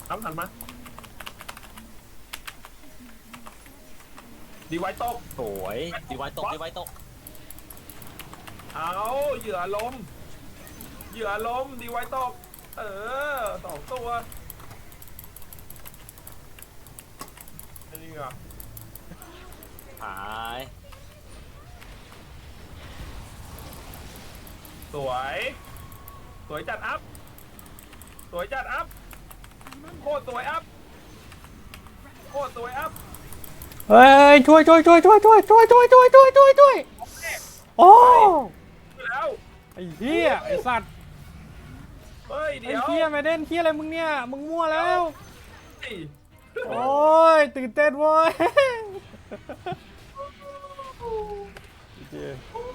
น้ำหันมาดีไว้ตกสวยดีไว้ตกดีไว้ตกเอาเหยื่อลมเหยื่อลมดีไว้ตก2 ตัวนี่ไงหายสวยสวยจัดอัพสวยจัดอัพโคตรสวยอัพโคตรสวยอัพเฮ้ยช่วยโอ้แล้วไอ้เหี้ยไอ้สัตว์เฮ้ยไอ้เดี๋ยวเหี้ยไม่เด่นเหี้ยอะไรมึงเนี่ยมึงมั่วแล้วเฮ้ยโอ้ยตื่นเต้นเว้ย